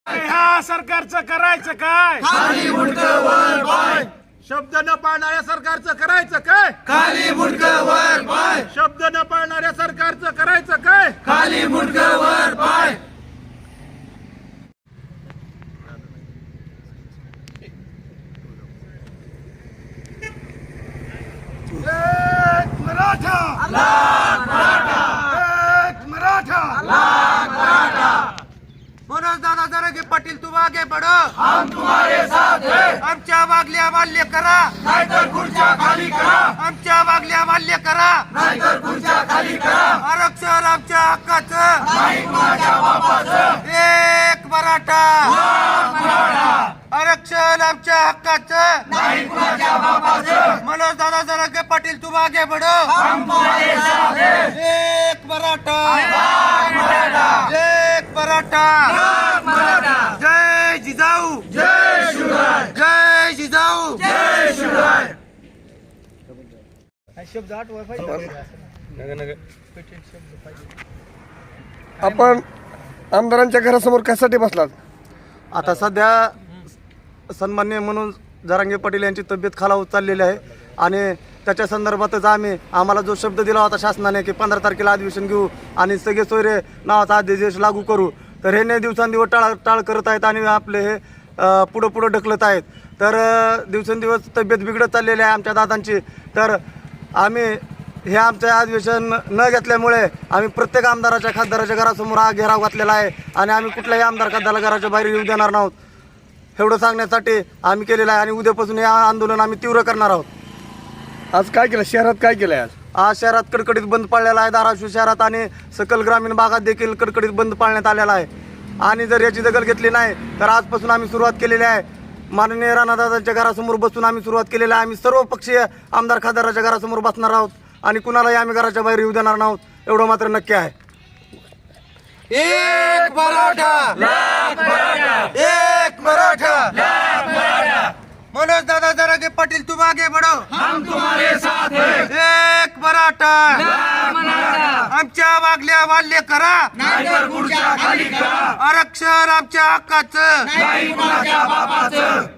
ह्या सरकारचं करायचं काय? खाली मुंडकं वर पाय, शब्द न पाळणाऱ्या सरकारचं करायचं काय? खाली मुंडकं वर पाय, शब्द न पाळणाऱ्या सरकारचं करायचं काय? खाली मुंडकं वर पाय. एक मराठा, एक मराठा. मनोज दादा जरांगे पाटील तुम आगे बढ़ो, हम तुम्हारे साथ हैं, आमच्या मागल्या मान्य करा, नाहीतर खुर्च्या खाली करा, आमच्या मागल्या मान्य करा. नाहीतर खुर्च्या खाली करा. आरक्षण आमच्या हक्काचं, नाही कुणाच्या बापाचं. एक मराठा. मराठा, आरक्षण आमच्या हक्काचं, नाही कुणाच्या बापाचं. मनोज दादा जरांगे पाटील तुम आगे बढ़ो, हम तुम्हारे साथ हैं, एक मराठा. मराठा. एक मराठा. मराठा. जय जिजाऊ, जय शिवराय, जय जिजाऊ. जय शिवराय. आपण आमदारांच्या घरासमोर कशासाठी बसलात? आता सध्या सन्माननीय म्हणून जरांगे पाटील यांची तब्येत खालावत चाललेली आहे आणि त्याच्या संदर्भातच आम्हाला जो शब्द दिला होता शासनाने की 15 तारखेला अधिवेशन घेऊ आणि सगळे सोयरे नावाचा अध्यादेश लागू करू, तर हे दिवसांदिवस टाळ करत आहेत आणि आपले हे पुढं ढकलत आहेत. तर दिवसेंदिवस तब्येत बिघडत चाललेली आहे आमच्या दादांची. तर आम्ही हे आमचं अधिवेशन न घेतल्यामुळे आम्ही प्रत्येक आमदाराच्या खासदाराच्या घरासमोर हा घेराव घातलेला आहे आणि आम्ही कुठल्याही आमदार खासदाराला घराच्या बाहेर येऊ देणार नाहोत एवढं सांगण्यासाठी आम्ही केलेलं आहे. आणि उद्यापासून हे आंदोलन आम्ही तीव्र करणार आहोत. आज काय केलं? शहरात काय केलंय आज? आज शहरात कडकडीत बंद पाळलेला आहे. धाराशिव शहरात आणि सकल ग्रामीण भागात देखील कडकडीत बंद पाळण्यात आलेला आहे. आणि जर याची दखल घेतली नाही तर आजपासून आम्ही सुरुवात केलेली आहे. माननीय राणादादांच्या घरासमोर बसून आम्ही सुरुवात केलेली आहे. आम्ही सर्व पक्षीय आमदार खासदाराच्या घरासमोर बसणार आहोत आणि कुणालाही आम्ही घराच्या बाहेर येऊ देणार नाहोत एवढं मात्र नक्की आहे. एक मराठा, एक मराठा. मनोज दादा जरांगे पाटील तुम आगे बढ़ो, हम तुम्हारे साथ हैं, एक मराठा. आमच्या मागल्या मान्य करा, नाहीतर खुर्च्या खाली करा, आरक्षण आमच्या हक्काचं, नाही कुणाच्या बापाचं.